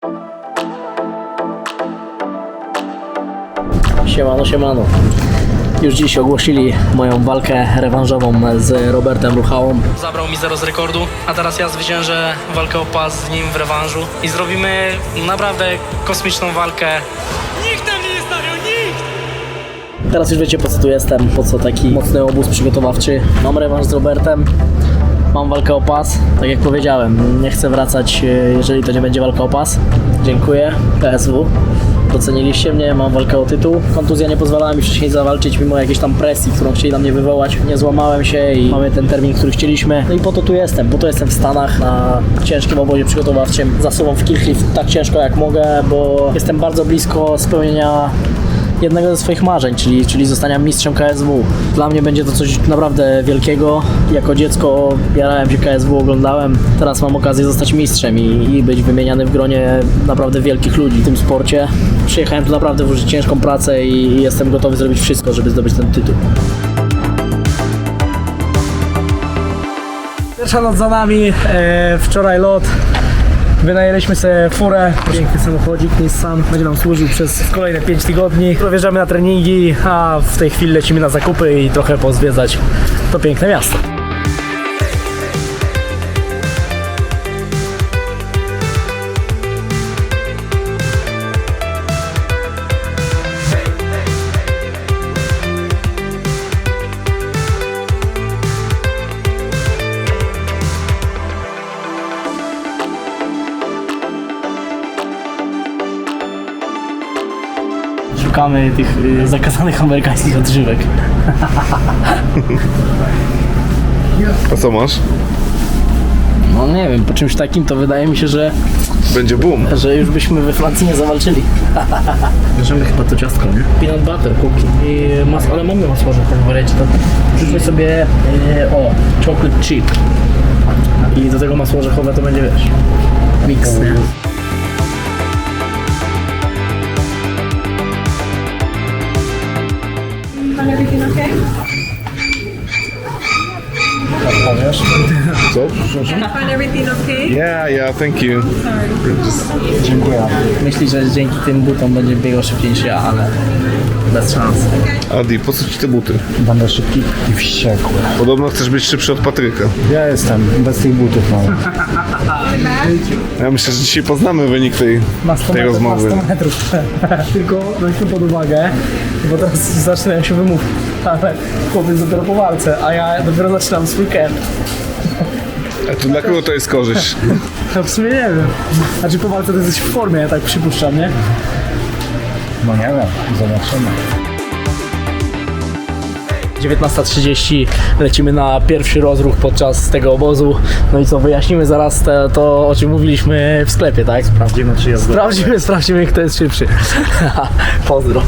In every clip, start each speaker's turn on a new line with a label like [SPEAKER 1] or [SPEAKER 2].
[SPEAKER 1] Siemano, siemano. Już dziś ogłosili moją walkę rewanżową z Robertem Ruchałą.
[SPEAKER 2] Zabrał mi 0 z rekordu, a teraz ja zwyciężę walkę o pas z nim w rewanżu i zrobimy naprawdę kosmiczną walkę. Nikt tam nie stawiał, nikt!
[SPEAKER 1] Teraz już wiecie, po co tu jestem, po co taki mocny obóz przygotowawczy. Mam rewanż z Robertem, mam walkę o pas. Tak jak powiedziałem, nie chcę wracać, jeżeli to nie będzie walka o pas. Dziękuję, PSW. Doceniliście mnie, mam walkę o tytuł. Kontuzja nie pozwalała mi wcześniej zawalczyć, mimo jakiejś tam presji, którą chcieli na mnie wywołać. Nie złamałem się i mamy ten termin, który chcieliśmy. No i po to tu jestem, po to jestem w Stanach na ciężkim obozie przygotowawczym. Zasuwam w kicklift tak ciężko jak mogę, bo jestem bardzo blisko spełnienia jednego ze swoich marzeń, czyli zostania mistrzem KSW. Dla mnie będzie to coś naprawdę wielkiego. Jako dziecko jarałem się KSW, oglądałem. Teraz mam okazję zostać mistrzem i być wymieniany w gronie naprawdę wielkich ludzi w tym sporcie. Przyjechałem tu naprawdę włożyć ciężką pracę i jestem gotowy zrobić wszystko, żeby zdobyć ten tytuł. Pierwsza noc za nami, wczoraj lot. Wynajęliśmy sobie furę, piękny samochodzik Nissan, będzie nam służył przez kolejne 5 tygodni. Wjeżdżamy na treningi, a w tej chwili lecimy na zakupy i trochę pozwiedzać to piękne miasto. Szukamy tych zakazanych amerykańskich odżywek.
[SPEAKER 3] A co masz?
[SPEAKER 1] No nie wiem, po czymś takim to wydaje mi się, że
[SPEAKER 3] Będzie boom.
[SPEAKER 1] już byśmy we Francji nie zawalczyli. Bierzemy chyba to ciastko, nie? Peanut butter, cookie i masło, ale mamy masło orzechowe w wariacie, to wrzućmy sobie chocolate chip. I do tego masło orzechowe to będzie, wiesz, mix, nie?
[SPEAKER 4] Everything okay?
[SPEAKER 3] Co?
[SPEAKER 4] Find everything okay?
[SPEAKER 3] Yeah, thank you.
[SPEAKER 1] Dziękuję. Myśli, że dzięki tym butom będzie biegał szybciej niż ja, ale bez szans.
[SPEAKER 3] Adi, po co ci te buty?
[SPEAKER 5] Będę szybki i wściekły.
[SPEAKER 3] Podobno chcesz być szybszy od Patryka.
[SPEAKER 5] Ja jestem, bez tych butów mam.
[SPEAKER 3] Ja myślę, że dzisiaj poznamy wynik tej
[SPEAKER 1] Na 100
[SPEAKER 3] rozmowy.
[SPEAKER 1] Na 100 metrów. Tylko weźmy pod uwagę, bo teraz zaczynają się wymówki. Ale chłopiec dopiero po walce, a ja dopiero zaczynam swój camp.
[SPEAKER 3] A to dla kogo to jest korzyść?
[SPEAKER 1] No w sumie nie wiem. Znaczy po walce to jesteś w formie, ja tak przypuszczam, nie?
[SPEAKER 5] No nie wiem, zobaczymy.
[SPEAKER 1] 19:30 lecimy na pierwszy rozruch podczas tego obozu. No i co, wyjaśnimy zaraz to o czym mówiliśmy w sklepie, tak?
[SPEAKER 5] Sprawdzimy, czy jest
[SPEAKER 1] Sprawdzimy kto jest szybszy. Pozdro.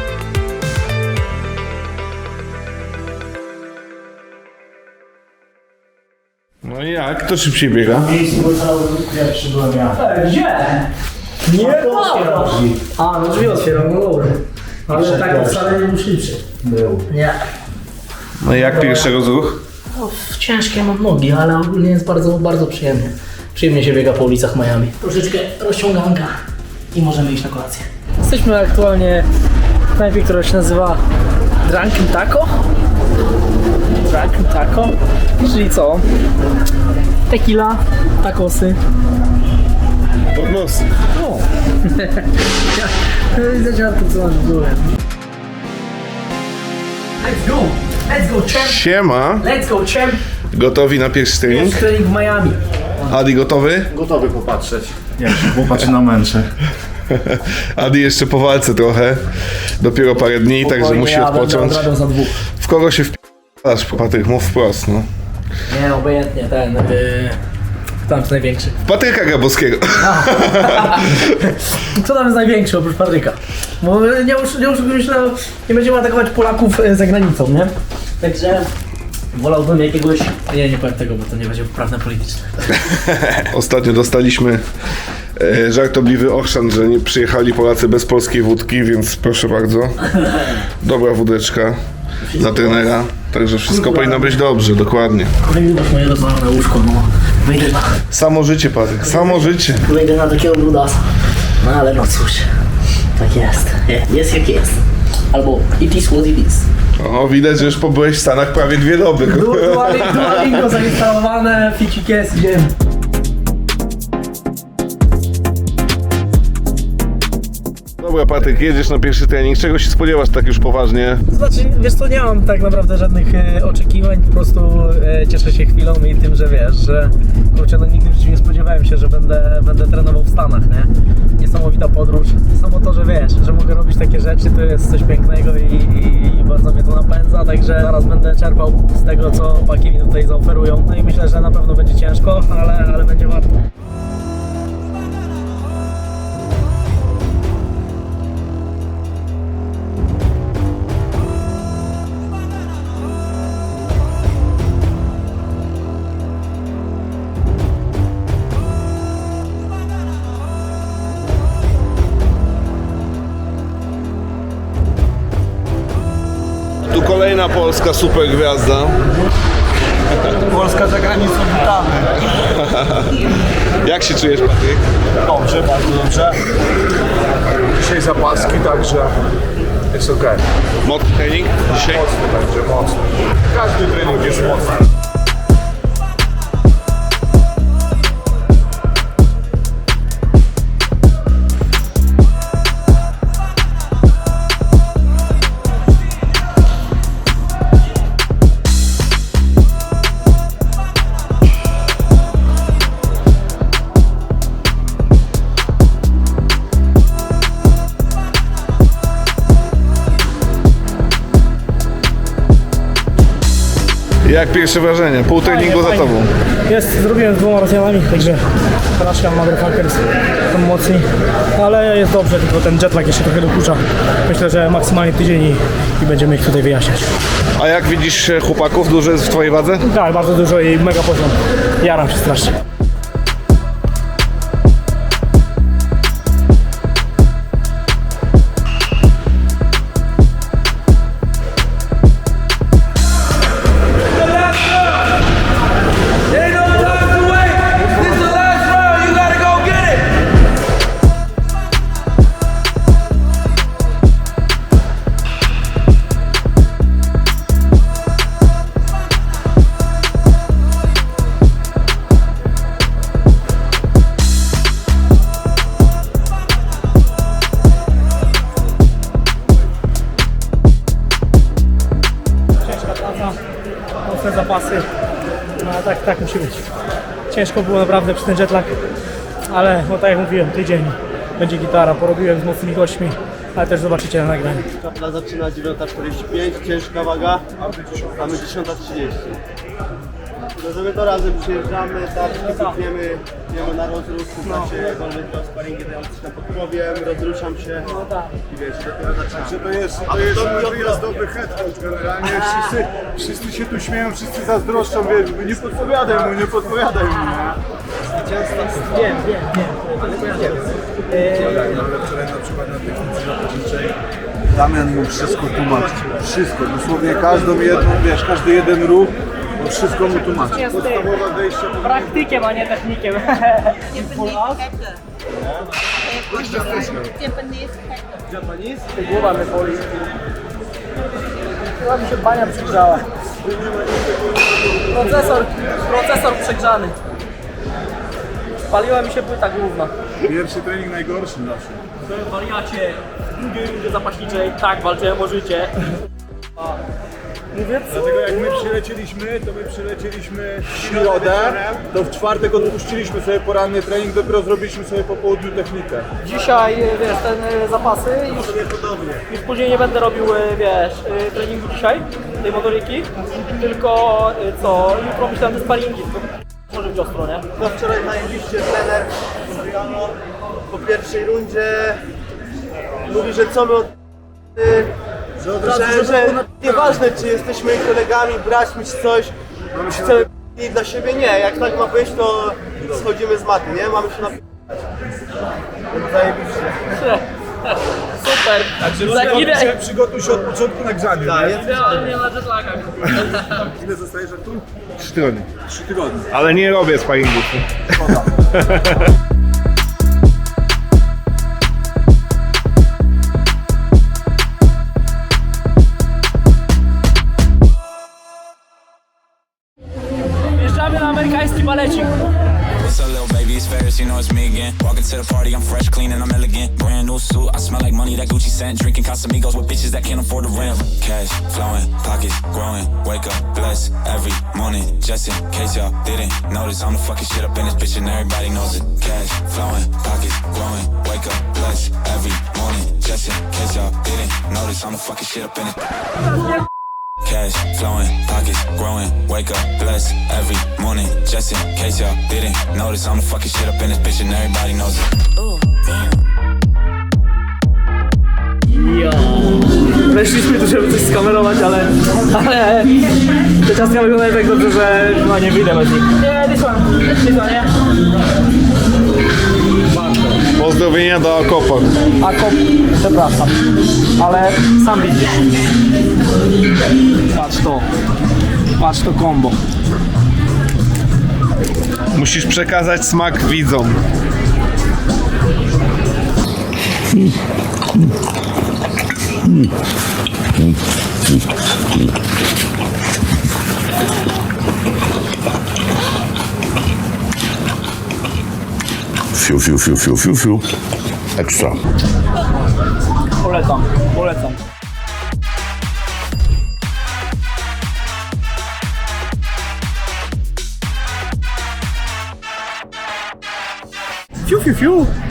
[SPEAKER 3] No i jak? Kto szybciej biega?
[SPEAKER 5] Pierwszy byłem ja.
[SPEAKER 1] Gdzie? Nie ma. A, no drzwi otwieram, no dobra. Ale tak wcale nie był szybszy.
[SPEAKER 5] Był.
[SPEAKER 1] Nie.
[SPEAKER 3] No i jak pierwszy rozruch?
[SPEAKER 1] No, ciężkie mam nogi, ale ogólnie jest bardzo, bardzo przyjemnie. Przyjemnie się biega po ulicach Miami. Troszeczkę rozciąganka i możemy iść na kolację. Jesteśmy aktualnie w knajpie, która się nazywa Drunken Taco. Drunken Taco, czyli co? Tequila, tacosy.
[SPEAKER 3] Pod nos.
[SPEAKER 1] O! Zadziała to, co masz w górę. Let's go! Let's go, champ!
[SPEAKER 3] Siema.
[SPEAKER 1] Let's go, champ!
[SPEAKER 3] Gotowi na pierwszy trening?
[SPEAKER 1] Jest trening w Miami.
[SPEAKER 3] Adi gotowy?
[SPEAKER 5] Gotowy popatrzeć. Ja się popatrzę na męczę.
[SPEAKER 3] Adi jeszcze po walce trochę. Dopiero parę dni, także musi odpocząć.
[SPEAKER 1] Odrabiał za dwóch.
[SPEAKER 3] W kogo się wpadasz, Patryk? Mów wprost, no.
[SPEAKER 1] Nie, obojętnie, tam jest największy.
[SPEAKER 3] Patryka Grabowskiego.
[SPEAKER 1] Kto tam jest największy oprócz Patryka? Bo nie będziemy atakować Polaków za granicą, nie? Także wolałbym jakiegoś... Nie powiem tego, bo to nie będzie poprawne polityczne.
[SPEAKER 3] Ostatnio dostaliśmy żartobliwy ochrzan, że nie przyjechali Polacy bez polskiej wódki, więc proszę bardzo. Dobra wódeczka dla trenera. Także wszystko powinno być dobrze, dokładnie.
[SPEAKER 1] Kolejny moje rozwalone łóżko, no.
[SPEAKER 3] Samo życie, Patryk, samo życie.
[SPEAKER 1] Wyjdę na takiego brudasa. No ale no cóż, tak jest. Jest jak jest. Albo it is what it is.
[SPEAKER 3] O, widać, że już pobyłeś w Stanach prawie 2 doby.
[SPEAKER 1] Duolingo zainstalowane, ficik jest, idziemy.
[SPEAKER 3] Dobra, Patryk, jedziesz na pierwszy trening. Czego się spodziewasz tak już poważnie?
[SPEAKER 1] Znaczy, wiesz co, nie mam tak naprawdę żadnych oczekiwań, po prostu cieszę się chwilą i tym, że wiesz, że kurczę, no nigdy w życiu nie spodziewałem się, że będę trenował w Stanach, nie? Niesamowita podróż, samo to, że wiesz, że mogę robić takie rzeczy, to jest coś pięknego i bardzo mnie to napędza, także zaraz będę czerpał z tego, co chłopaki mi tutaj zaoferują, no i myślę, że na pewno będzie ciężko, ale będzie warto.
[SPEAKER 3] Tu kolejna polska super gwiazda.
[SPEAKER 5] Polska za granicą, witamy.
[SPEAKER 3] Jak się czujesz, Patryk?
[SPEAKER 5] Dobrze, bardzo dobrze. Dzisiaj zapaski, także jest okej.
[SPEAKER 3] Mocny trening dzisiaj?
[SPEAKER 5] Mocny będzie, mocny. Każdy trening jest mocny.
[SPEAKER 3] Jak pierwsze wrażenie? Pół treningu za
[SPEAKER 1] Fajnie.
[SPEAKER 3] tobą.
[SPEAKER 1] Zrobiłem z 2 Rosjanami, także Russian Motherfuckers są mocni, ale jest dobrze, tylko ten jetlag jeszcze trochę dokucza. Myślę, że maksymalnie tydzień i będziemy ich tutaj wyjaśniać.
[SPEAKER 3] A jak widzisz chłopaków? Dużo jest w twojej wadze?
[SPEAKER 1] Tak, bardzo dużo i mega poziom. Jaram się strasznie. Mocne zapasy, no ale tak musi być. Ciężko było naprawdę przez ten jetlag, ale no tak jak mówiłem, tydzień będzie gitara, porobiłem z mocnymi gośćmi, ale też zobaczycie na nagraniu.
[SPEAKER 6] Kapla zaczyna 9:45, ciężka waga, a my 10:30. No sobie to razem przyjeżdżamy, tarczki pijemy na rozruch, znaczy jakkolwiek to sparingi dają coś tam pod powiem, rozruszam się i wiesz, dopiero zaczynamy.
[SPEAKER 5] To jest dobry head coach generalnie. Wszyscy się tu śmieją, wszyscy zazdroszczą, wiesz, nie podpowiadaj mu, nie.
[SPEAKER 1] Wiem.
[SPEAKER 5] Ale wczoraj na przykład na technice zapalniczej Damian mu wszystko tłumaczy. Wszystko, dosłownie każdą jedną, wiesz, każdy jeden ruch, on wszystko mu tłumaczy. Podstawowe wejście.
[SPEAKER 1] Praktykiem, a nie technikiem.
[SPEAKER 4] Japanese
[SPEAKER 1] Głowa mnie boli. Chyba mi się bania przegrzała. Procesor przegrzany. Spaliła mi się płyta główna.
[SPEAKER 5] Pierwszy trening najgorszy zawsze.
[SPEAKER 1] Wariacie, w drugiej rundzie zapaśniczej, tak, walczyłem o życie. Mówię, co?
[SPEAKER 5] Dlatego jak my przylecieliśmy w środę, to w czwartek odpuściliśmy sobie poranny trening, dopiero zrobiliśmy sobie po południu technikę.
[SPEAKER 1] Dzisiaj, wiesz, ten zapasy już później nie będę robił, wiesz, treningu dzisiaj, tej motoryki, tylko co, jutro myślałem, że sparingi, może być ostro, nie?
[SPEAKER 6] No wczoraj najebiście trener Adriano po pierwszej rundzie mówi, że co my od... że nieważne czy jesteśmy kolegami, braćmi czy coś, chcemy i dla siebie nie, jak tak ma być to schodzimy z maty, nie? Mamy się napisać. Zajebiście.
[SPEAKER 1] Super. super.
[SPEAKER 5] Przygotuj się od początku na grzanie.
[SPEAKER 6] Tak,
[SPEAKER 5] nie?
[SPEAKER 6] jest.
[SPEAKER 1] Nie ma jetlagach.
[SPEAKER 5] Ile zostajesz tu?
[SPEAKER 3] 3 tygodnie.
[SPEAKER 5] 3 tygodnie.
[SPEAKER 3] Ale nie robię sparingów.
[SPEAKER 1] Wjeżdżamy na amerykański balecik.
[SPEAKER 7] What's up, little baby? It's Ferris, you know it's me again. Walking to the party, I'm fresh, clean, and I'm elegant. Brand new suit, I smell like money, that Gucci scent. Drinking Casamigos with bitches that can't afford the rent. Cash flowing, pockets growing. Wake up, bless every morning. Just in case y'all didn't notice, I'm the fucking shit up in this bitch and everybody knows it. Cash flowing, pockets growing. Wake up, bless every morning. Just in case y'all didn't notice, I'm the fucking shit up in this. Cash flowing, pockets growing. Wake up, bless every morning. Just in case y'all didn't notice, I'm the fucking shit up in this bitch and everybody knows it.
[SPEAKER 1] Weszliśmy tu, żeby coś skamerować, ale te ciastka wyglądają tak dobrze, że no nie wyjdę bez nich. Nie, this one, nie?
[SPEAKER 3] Pozdrowienia do Akopa.
[SPEAKER 1] Przepraszam, ale sam widzisz. Patrz to kombo.
[SPEAKER 3] Musisz przekazać smak widzom.
[SPEAKER 8] Fiu. Ekstra.
[SPEAKER 1] Polecam. Fiu.